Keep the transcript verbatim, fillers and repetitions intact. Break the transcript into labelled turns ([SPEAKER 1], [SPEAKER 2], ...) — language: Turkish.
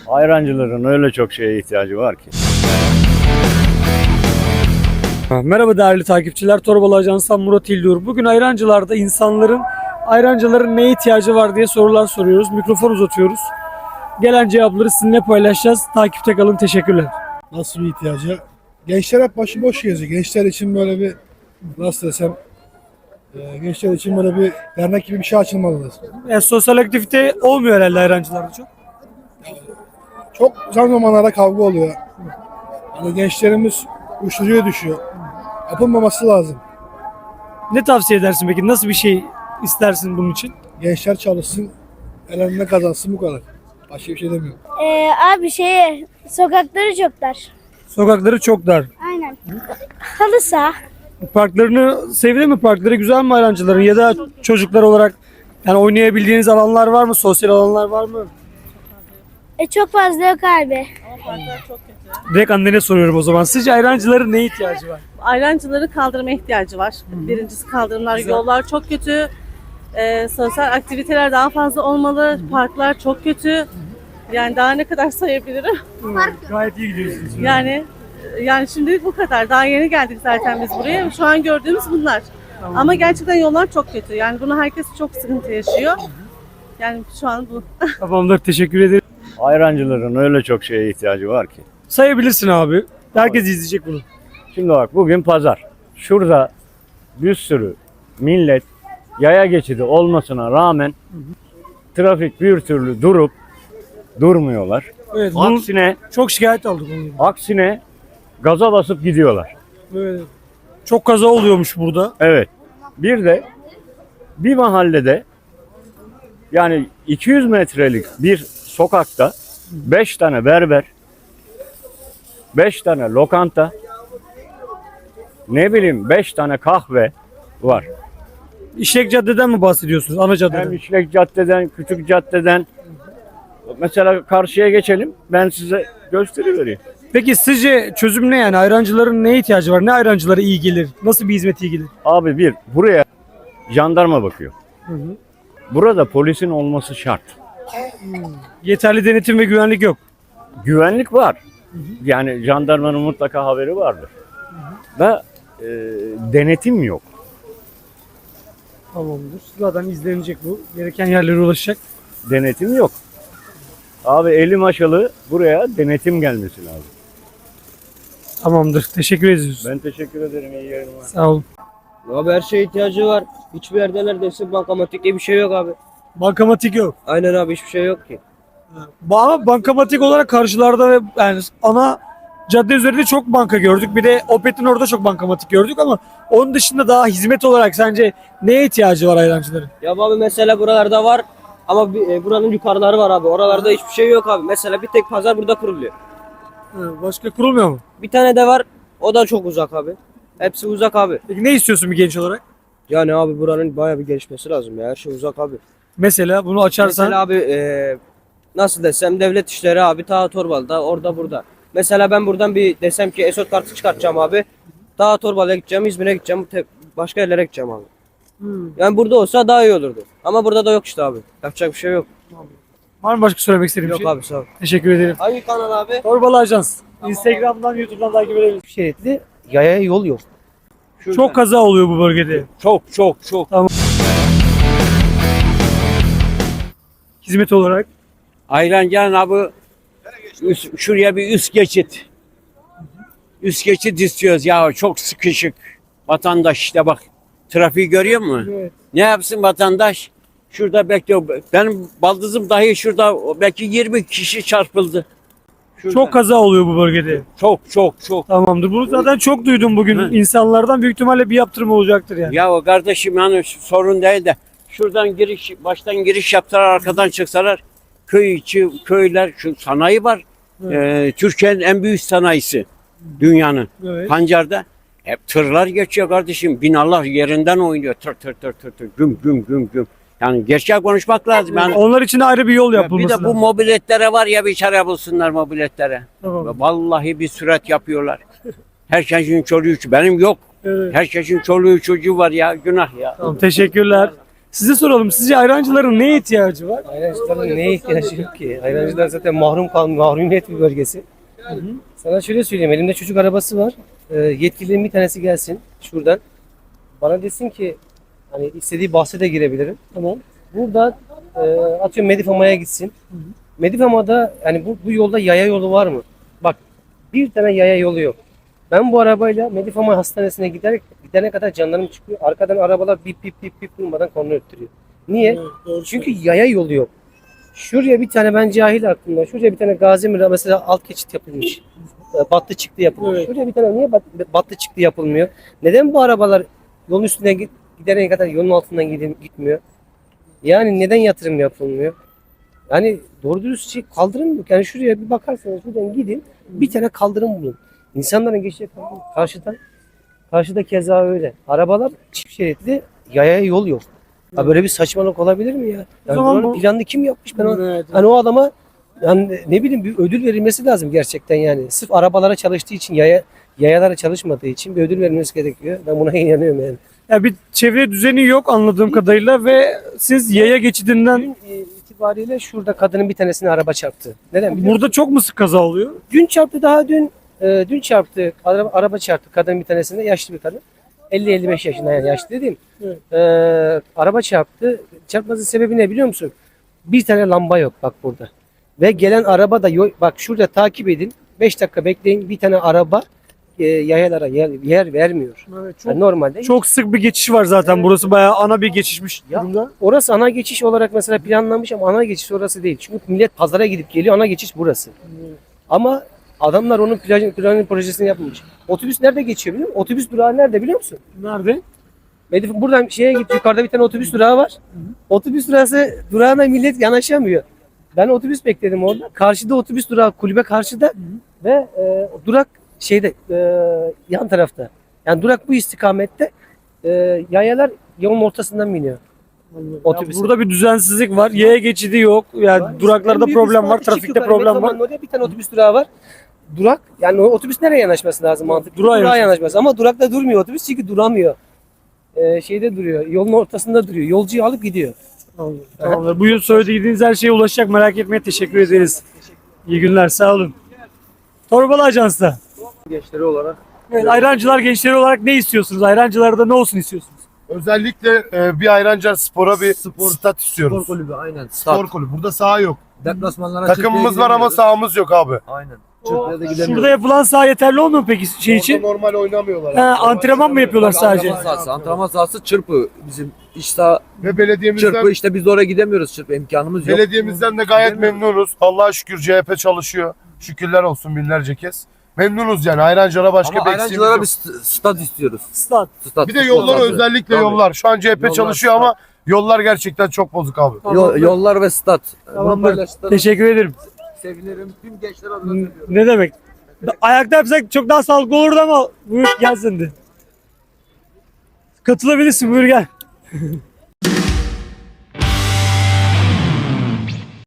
[SPEAKER 1] Ayrancıların öyle çok şeye ihtiyacı var ki.
[SPEAKER 2] Merhaba değerli takipçiler, Torbalı Ajans'tan Murat İldur. Bugün Ayrancılar'da insanların, Ayrancıların neye ihtiyacı var diye sorular soruyoruz. Mikrofon uzatıyoruz. Gelen cevapları sizinle paylaşacağız. Takipte kalın, teşekkürler.
[SPEAKER 3] Nasıl bir ihtiyacı? Gençler hep başıboş geziyor. Gençler için böyle bir, nasıl desem, e, gençler için böyle bir dernek gibi bir şey açılmalıdır.
[SPEAKER 2] Yani sosyal aktivite olmuyor herhalde Ayrancılar'da çok.
[SPEAKER 3] Çok uzun zamanlarda kavga oluyor. Yani gençlerimiz uyuşturucuya düşüyor. Yapılmaması lazım.
[SPEAKER 2] Ne tavsiye edersin peki? Nasıl bir şey istersin bunun için?
[SPEAKER 3] Gençler çalışsın, elinde kazansın, bu kadar. Başka bir şey demiyorum.
[SPEAKER 4] Ee, abi şey sokakları çok dar.
[SPEAKER 2] Sokakları çok dar.
[SPEAKER 4] Aynen. Halı saha.
[SPEAKER 2] Parklarını sevdin mi? Parkları güzel mi Ayrancıların? Ya da çocuklar olarak yani oynayabildiğiniz alanlar var mı? Sosyal alanlar var mı?
[SPEAKER 4] E, çok fazla yok abi.
[SPEAKER 2] Direkt annene soruyorum o zaman. Sizce Ayrancıların neye ihtiyacı var?
[SPEAKER 5] Ayrancıları kaldırma ihtiyacı var. Birincisi kaldırımlar,
[SPEAKER 2] Güzel.
[SPEAKER 5] yollar çok kötü. Ee, sosyal aktiviteler daha fazla olmalı. Parklar çok kötü. Yani daha ne kadar sayabilirim?
[SPEAKER 2] Gayet iyi gidiyorsunuz.
[SPEAKER 5] Yani yani şimdilik bu kadar. Daha yeni geldik zaten biz buraya. Şu an gördüğümüz bunlar. Ama gerçekten yollar çok kötü. Yani bunu herkes çok sıkıntı yaşıyor. Yani şu an bu.
[SPEAKER 2] Tamamdır, teşekkür ederim.
[SPEAKER 1] Ayrancıların öyle çok şeye ihtiyacı var ki.
[SPEAKER 2] Sayabilirsin abi. Herkes izleyecek bunu.
[SPEAKER 1] Şimdi bak, bugün pazar. Şurada bir sürü millet yaya geçidi olmasına rağmen trafik bir türlü durup durmuyorlar.
[SPEAKER 2] Evet, bunu
[SPEAKER 1] Aksine
[SPEAKER 2] çok şikayet aldık onun.
[SPEAKER 1] aksine gaza basıp gidiyorlar.
[SPEAKER 2] Evet. Çok kaza oluyormuş burada.
[SPEAKER 1] Evet. Bir de bir mahallede, yani iki yüz metrelik bir sokakta beş tane berber, beş tane lokanta, ne bileyim beş tane kahve var.
[SPEAKER 2] İşlek Cadde'den mi bahsediyorsunuz? Ana
[SPEAKER 1] Hem
[SPEAKER 2] caddeden.
[SPEAKER 1] İşlek Cadde'den, Küçük Cadde'den. Mesela karşıya geçelim, ben size gösterivereyim.
[SPEAKER 2] Peki sizce çözüm ne yani? Ayrancıların neye ihtiyacı var? Ne ayrancılara iyi gelir? Nasıl bir hizmet iyi gelir?
[SPEAKER 1] Abi, bir, buraya jandarma bakıyor.
[SPEAKER 2] Hı hı.
[SPEAKER 1] Burada polisin olması şart.
[SPEAKER 2] Yeterli denetim ve güvenlik yok.
[SPEAKER 1] Güvenlik var. Yani jandarmanın mutlaka haberi vardır. Ve e, denetim yok.
[SPEAKER 2] Tamamdır. Zaten izlenecek bu. Gereken yerlere ulaşacak.
[SPEAKER 1] Denetim yok. Abi eli maşalı, buraya denetim gelmesi lazım.
[SPEAKER 2] Tamamdır. Teşekkür ediyoruz.
[SPEAKER 1] Ben teşekkür ederim. İyi yayınlar.
[SPEAKER 2] Sağ olun.
[SPEAKER 6] Abi her şeye ihtiyacı var. Hiçbir yerde neredeyse bankamatik diye bir şey yok abi.
[SPEAKER 2] Bankamatik yok.
[SPEAKER 6] Aynen abi, hiçbir şey yok ki.
[SPEAKER 2] Ama bankamatik olarak karşılarda ve yani ana cadde üzerinde çok banka gördük. Bir de Opet'in orada çok bankamatik gördük ama onun dışında daha hizmet olarak sence neye ihtiyacı var ayrancıların?
[SPEAKER 6] Ya abi mesela buralarda var ama bir, e, buranın yukarıları var abi. Oralarda hiçbir şey yok abi. Mesela bir tek pazar burada kuruluyor.
[SPEAKER 2] Başka kurulmuyor mu?
[SPEAKER 6] Bir tane de var, o da çok uzak abi. Hepsi uzak abi.
[SPEAKER 2] Peki ne istiyorsun bir genç olarak?
[SPEAKER 6] Yani abi buranın bayağı bir gelişmesi lazım ya. Her şey uzak abi.
[SPEAKER 2] Mesela bunu açarsan
[SPEAKER 6] Mesela abi e, nasıl desem, devlet işleri abi ta Torbalı'da, orada burada. Mesela ben buradan bir desem ki Esot kartı çıkartacağım abi. Daha Torbalı'ya gideceğim, İzmir'e gideceğim, te- başka yerlere gideceğim abi. Yani burada olsa daha iyi olurdu. Ama burada da yok işte abi. Yapacak bir şey yok.
[SPEAKER 2] var mı başka söylemek istediğin bir
[SPEAKER 6] Yok
[SPEAKER 2] şey?
[SPEAKER 6] abi, sağ ol.
[SPEAKER 2] Teşekkür ederim.
[SPEAKER 6] Hangi kanal abi?
[SPEAKER 2] Torbalı Ajans. Instagram'dan, YouTube'dan takip edebilirsiniz.
[SPEAKER 6] Şeritli yaya yol yok.
[SPEAKER 2] Çok kaza oluyor bu bölgede.
[SPEAKER 1] Çok çok çok.
[SPEAKER 2] Hizmet olarak.
[SPEAKER 7] Ayrancı'nın abi üst- şuraya bir üst geçit. Üst geçit istiyoruz ya, çok sıkışık. Vatandaş işte bak, trafiği görüyor musun?
[SPEAKER 2] Evet.
[SPEAKER 7] Ne yapsın vatandaş? Şurada bekliyor. Benim baldızım dahi şurada belki yirmi kişi çarpıldı. Şurada.
[SPEAKER 2] Çok kaza oluyor bu bölgede.
[SPEAKER 7] çok çok çok.
[SPEAKER 2] Tamamdır. Bunu zaten çok duydum bugün
[SPEAKER 7] Hı.
[SPEAKER 2] insanlardan. Büyük ihtimalle bir yaptırım olacaktır yani.
[SPEAKER 7] Ya o kardeşim, yani sorun değil de şuradan giriş, baştan giriş yaptılar, arkadan çıksalar köy içi, köyler, şu sanayi var. Ee, Türkiye'nin en büyük sanayisi dünyanın.
[SPEAKER 2] Evet.
[SPEAKER 7] Pancar'da hep tırlar geçiyor kardeşim. Binalar yerinden oynuyor. Tır tır tır tır tır. Güm güm güm güm. Yani gerçek konuşmak lazım. Yani
[SPEAKER 2] Onlar için de ayrı bir yol
[SPEAKER 7] bir
[SPEAKER 2] yapılması
[SPEAKER 7] de bu
[SPEAKER 2] lazım.
[SPEAKER 7] mobiletlere var ya, bir çare bulsunlar mobiletlere.
[SPEAKER 2] Tamam.
[SPEAKER 7] Vallahi bir sürat yapıyorlar. Herkesin çoluğu çocuğu. Benim yok.
[SPEAKER 2] Evet.
[SPEAKER 7] Herkesin çoluğu çocuğu var ya. Günah ya.
[SPEAKER 2] Tamam, teşekkürler. Size soralım. Sizce ayrancıların neye ihtiyacı var?
[SPEAKER 8] Ayrancıların neye ihtiyacı yok ki? Ayrancılar zaten mahrum kal mahrumiyet bir bölgesi. Sana şöyle söyleyeyim, elimde çocuk arabası var. Ee, yetkililerin bir tanesi gelsin şuradan. Bana desin ki hani istediği bahse de girebilirim.
[SPEAKER 2] Tamam.
[SPEAKER 8] Burada e, atıyorum Medifama'ya gitsin. Medifama'da yani bu, bu yolda yaya yolu var mı? Bak bir tane yaya yolu yok. Ben bu arabayla Medifama hastanesine giderek gidene kadar canlarım çıkıyor. Arkadan arabalar bip bip bip bip durmadan korna öttürüyor. Niye? Çünkü yaya yolu yok. Şuraya bir tane ben cahil aklımda. Şuraya bir tane Gazi Mira mesela alt geçit yapılmış. E, Battı çıktı yapılmış.
[SPEAKER 2] Evet.
[SPEAKER 8] Şuraya bir tane niye bat, battı çıktı yapılmıyor? Neden bu arabalar yolun üstüne git- gidene kadar yolun altından gidin- gitmiyor? Yani neden yatırım yapılmıyor? Yani doğru dürüst şey kaldırım yok. Yani şuraya bir bakarsanız şuradan gidin bir tane kaldırım bulun. İnsanların geçecek kaldırım. Karşıdan karşıda keza öyle. Arabalar çift şeritli yaya yol yok. Ya böyle bir saçmalık olabilir mi ya? Yani
[SPEAKER 2] zaman
[SPEAKER 8] buranın
[SPEAKER 2] bu-
[SPEAKER 8] planını kim yapmış? Ben o,
[SPEAKER 2] Evet.
[SPEAKER 8] hani o adama yani ne bileyim bir ödül verilmesi lazım gerçekten yani. Sırf arabalara çalıştığı için yaya yayalara çalışmadığı için bir ödül verilmesi gerekiyor. Ben buna inanıyorum yani.
[SPEAKER 2] Ya bir çevre düzeni yok anladığım kadarıyla ve siz yaya geçidinden
[SPEAKER 8] Dün e, itibariyle şurada kadının bir tanesine araba çarptı. Neden? biliyor musun?
[SPEAKER 2] burada çok mu sık kaza oluyor?
[SPEAKER 8] Dün çarptı daha dün e, dün çarptı. Araba, araba çarptı kadın bir tanesine yaşlı bir kadın. elli elli beş yaşında yani yaşlı dediğim.
[SPEAKER 2] Evet.
[SPEAKER 8] E, araba çarptı. Çarpmasının sebebi ne biliyor musun? Bir tane lamba yok bak burada. Ve gelen araba da yok. Bak şurada takip edin. beş dakika bekleyin. Bir tane araba e, yayalara yer, yer vermiyor.
[SPEAKER 2] Evet, çok,
[SPEAKER 8] Yani normalde
[SPEAKER 2] çok sık bir geçiş var zaten. Burası bayağı ana bir geçişmiş
[SPEAKER 8] Ya,
[SPEAKER 2] durumda.
[SPEAKER 8] orası ana geçiş olarak mesela planlanmış ama ana geçiş orası değil. Çünkü millet pazara gidip geliyor. Ana geçiş burası. Ama adamlar onun plajın, planın projesini yapmamış. Otobüs nerede geçiyor biliyor musun? Otobüs durağı nerede biliyor musun?
[SPEAKER 2] Nerede?
[SPEAKER 8] Medif- Buradan şeye git yukarıda bir tane otobüs durağı var. Otobüs durağı durağına millet yanaşamıyor. Ben otobüs bekledim orada. Karşıda otobüs durağı kulübe karşıda ve e, durak şeyde e, yan tarafta. Yani durak bu istikamette e, yayalar yolun ortasından biniyor.
[SPEAKER 2] Ya
[SPEAKER 8] Otobüse.
[SPEAKER 2] burada bir düzensizlik var. Yaya geçidi yok. Yani
[SPEAKER 8] Var.
[SPEAKER 2] duraklarda
[SPEAKER 8] En büyük
[SPEAKER 2] problem
[SPEAKER 8] üstü
[SPEAKER 2] var,
[SPEAKER 8] çık
[SPEAKER 2] trafikte
[SPEAKER 8] yukarı,
[SPEAKER 2] problem var.
[SPEAKER 8] Metroman'ın oraya bir tane otobüs durağı var. Durak yani o otobüs nereye yanaşması lazım mantıklı?
[SPEAKER 2] Durağa
[SPEAKER 8] Durağa,
[SPEAKER 2] yanaşması.
[SPEAKER 8] yanaşması ama durakta durmuyor otobüs çünkü duramıyor. Ee, şeyde duruyor. Yolun ortasında duruyor. Yolcuyu alıp gidiyor.
[SPEAKER 2] Tamamdır. Tamamdır. Bugün söylediğiniz her şeye ulaşacak. Merak etmeye teşekkür ederiz. İyi günler. Sağ olun. Torbalı Ajans'ta.
[SPEAKER 9] Gençleri olarak
[SPEAKER 2] Evet, ayrancılar gençleri olarak ne istiyorsunuz? Ayrancılarda ne olsun istiyorsunuz?
[SPEAKER 3] Özellikle e, bir Ayrancılar Spor'a bir
[SPEAKER 9] Spor-
[SPEAKER 3] stat istiyoruz.
[SPEAKER 9] spor kulübü aynen.
[SPEAKER 3] Spor
[SPEAKER 9] Start.
[SPEAKER 3] kulübü. Burada saha yok.
[SPEAKER 9] Deplasmanlara
[SPEAKER 3] Takımımız
[SPEAKER 9] Çırpı'ya
[SPEAKER 3] var ama
[SPEAKER 9] gidemiyoruz.
[SPEAKER 3] sahamız yok abi.
[SPEAKER 9] Aynen. Çırpıya da gidemiyoruz.
[SPEAKER 2] Şurada yapılan saha yeterli olmuyor mu peki şey
[SPEAKER 3] Orada
[SPEAKER 2] için?
[SPEAKER 3] normal oynamıyorlar.
[SPEAKER 2] Ha, antrenman mı yapıyorlar sadece?
[SPEAKER 9] Antrenman sahası. Antrenman sahası Çırpı. Bizim iş saha
[SPEAKER 3] Ve belediyemizden
[SPEAKER 9] Çırpı işte biz de oraya gidemiyoruz. Çırpı imkanımız yok.
[SPEAKER 3] belediyemizden de gayet
[SPEAKER 9] Gidemiyoruz.
[SPEAKER 3] memnunuz. Allah'a şükür C H P çalışıyor. Şükürler olsun binlerce kez. Memnunuz yani. Ayrancılara başka
[SPEAKER 9] Ama
[SPEAKER 3] bir eksiğimiz
[SPEAKER 9] ayrancılara
[SPEAKER 3] yok.
[SPEAKER 9] bir st- stat istiyoruz.
[SPEAKER 2] Stat.
[SPEAKER 9] Stat.
[SPEAKER 3] Bir de
[SPEAKER 9] futbol
[SPEAKER 3] yollar
[SPEAKER 9] sahası.
[SPEAKER 3] özellikle
[SPEAKER 9] Tabii.
[SPEAKER 3] yollar. Şu an C H P
[SPEAKER 9] Yollar,
[SPEAKER 3] çalışıyor ama yollar gerçekten çok bozuk abi.
[SPEAKER 9] Yol- yollar ve stat. Bunu
[SPEAKER 2] Tamamdır.
[SPEAKER 9] paylaştığınız
[SPEAKER 2] Teşekkür ederim.
[SPEAKER 9] sevinirim. Tüm gençler adına söylüyorum.
[SPEAKER 2] Ne demek? Ayakta yapsak çok daha sağlıklı olurdu ama buyur gel sen de. Katılabilirsin buyur gel.